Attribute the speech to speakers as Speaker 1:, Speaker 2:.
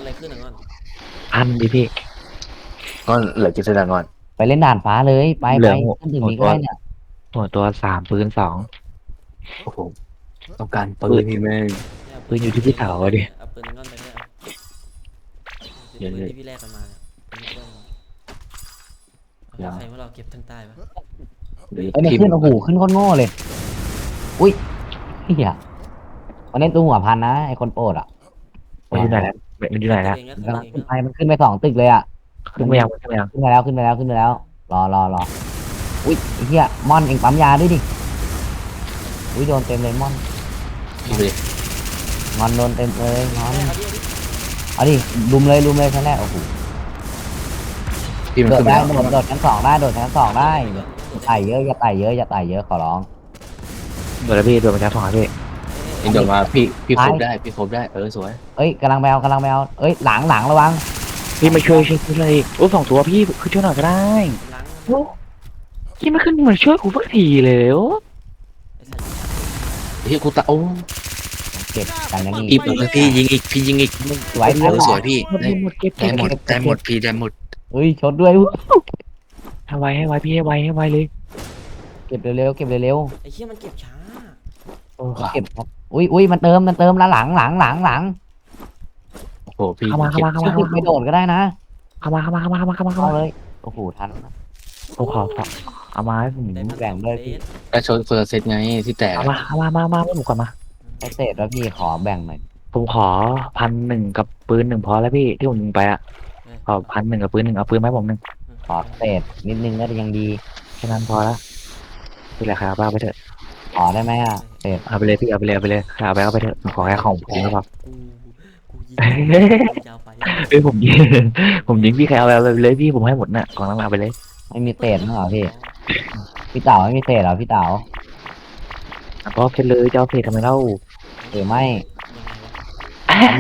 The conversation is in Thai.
Speaker 1: อะไรขึ้นอ่ะก่อน
Speaker 2: พันดิพี่
Speaker 3: ก็เหลือกิจสดางอน
Speaker 4: ไปเล่นด่านฟ้าเลยไป
Speaker 2: เหลือหัว
Speaker 4: ขึ้นถึง
Speaker 2: หัวตัว
Speaker 4: นี้ก็ได้เนี่ย
Speaker 2: หัวตัวสามปืนสอง
Speaker 3: โอ้โหต้องการปื
Speaker 2: ปื
Speaker 3: น
Speaker 2: น
Speaker 3: นี่แม่ง
Speaker 1: เนี่ย
Speaker 2: ปืนอยู่ที่พี่เต๋าดิ
Speaker 1: เอาปืนก้อนไปด้วย
Speaker 3: เดี๋ยว
Speaker 1: ปืนที่พี่แลกกันมาเนี่ยเอาใครว่าเราเก็บทั้งใต้ปะ
Speaker 3: หรือ
Speaker 4: เอ้ยมัน
Speaker 3: พิม
Speaker 4: ขึ้น
Speaker 3: พ์
Speaker 4: โอ้โหขึ้นโคตรโง่เลยอุ้ยเฮียมันเล่นตัวหัวพันนะไอคนโปรดอ่ะ
Speaker 2: มันอยู่ไหนแล้วมันอยู่ไหนแล้ว
Speaker 1: เองก็
Speaker 4: มัน
Speaker 1: ขึ้น
Speaker 4: กำลัง
Speaker 1: เอง
Speaker 4: ขึ้น
Speaker 1: ก็
Speaker 4: ไปมันขึ้นไปสองตึกเลยอ่ะ
Speaker 2: ขึ้นไปยังขึ้นไปยัง
Speaker 4: ขึ้นไปแล้วขึ้นไปแล้วขึ้นไปแล้วรออุ้ยไอ้เฮียมอนเองปั๊มยาด้วยดิอุ้ยโดนเต็มเลยมอน
Speaker 3: พี่เลย
Speaker 4: งอนโดนเต็มเลยงอน
Speaker 1: เอาดิ
Speaker 4: เอาดิลุมเลยชั้นแรกโอ้โห
Speaker 3: พี่มัน
Speaker 4: โดด
Speaker 3: ขึ้น
Speaker 4: ได้
Speaker 3: แล้ว
Speaker 4: โดดชั้นสองได้โดดชั้นสองได้อย่าไต่เยอะอย่าไต่เยอะอย่าไต่เยอะขอร้อง
Speaker 2: โดนแล้วพี่โดนมาจากสองพี่
Speaker 3: เอ็นโดนมาพี่ครบได้พี่ครบได้สวย
Speaker 4: เอ้ยกำลังไปเอาเอ้ยหลังระวัง
Speaker 2: พี่มาช่วยเลยโอ้สองตัวพี่คือช่วยหน่อยก็ได้
Speaker 1: ล้าง
Speaker 2: โอ้พี่ไม่ขึ้นมาช่วยกูสักทีเลยโอ้
Speaker 1: ไอ้สัตว์
Speaker 3: พี่กูตาโอ้
Speaker 4: เก็บกันอย่างนี้
Speaker 3: พี่ยิงอีกพี่ยิงอีก
Speaker 4: สวย
Speaker 3: สวยพี่
Speaker 2: หมดหมดเก็บ
Speaker 3: ได้หมดได้หมดพี่ได้หมด
Speaker 4: เฮ้ยชดด้วย
Speaker 2: ให้ไวพี่ให้ไวเลย
Speaker 4: เก็บเร็วๆเก็บเร็ว
Speaker 1: ไอ้เหี้ยมันเก็บช้า
Speaker 2: โอ้
Speaker 4: ๆเก็บครับอุ้ยมันเติมแล้วหลัง
Speaker 3: โอ้โหพี่
Speaker 2: เข้ามา
Speaker 4: ไม่โดดก็ได้นะ
Speaker 2: เข้ามา
Speaker 4: เอาเลยโอ้โหทัน
Speaker 2: ผมขอเอามาให้ผม
Speaker 1: ได้พัน
Speaker 4: แบ่งด้วยพี่
Speaker 3: ได้ชนเฟอร์เซตไงที่แตก
Speaker 2: เอามาให้ผมก่อนมา
Speaker 4: ไอเศษแล้วพี่ขอแบ่งหน่อย
Speaker 2: ผมขอ1,100กับปืน1พอแล้วพี่ที่ผมยิงไปอ่ะขอ1,100กับปืน1เอาปืนไหมผม1
Speaker 4: ขอเศษนิดนึงก็ยังดี
Speaker 2: แค่นั้นพอแล้วพี่แหละครับเอาไปเถอะ
Speaker 4: ขอได้ไหมอ่ะเศษ
Speaker 2: เอาไปเลยพี่เอาไปเลยเอาไปไปเถอะผมขอแค่ของผมก็พอ
Speaker 1: กูยิงยาวไป
Speaker 2: เอ้ยผมยิง ผมยิงพี่ใครเอาไปเลยพี่ผมให้หมดน่ะของนั้นเอาไปเลย
Speaker 4: ไม่มีเศษมั้งเหรอพี่เต๋าไม่มีเศษเหรอพี่เต๋า
Speaker 2: ก็เพชรเลยจะเอาเพชรทำไมเล่า
Speaker 4: หรือไม่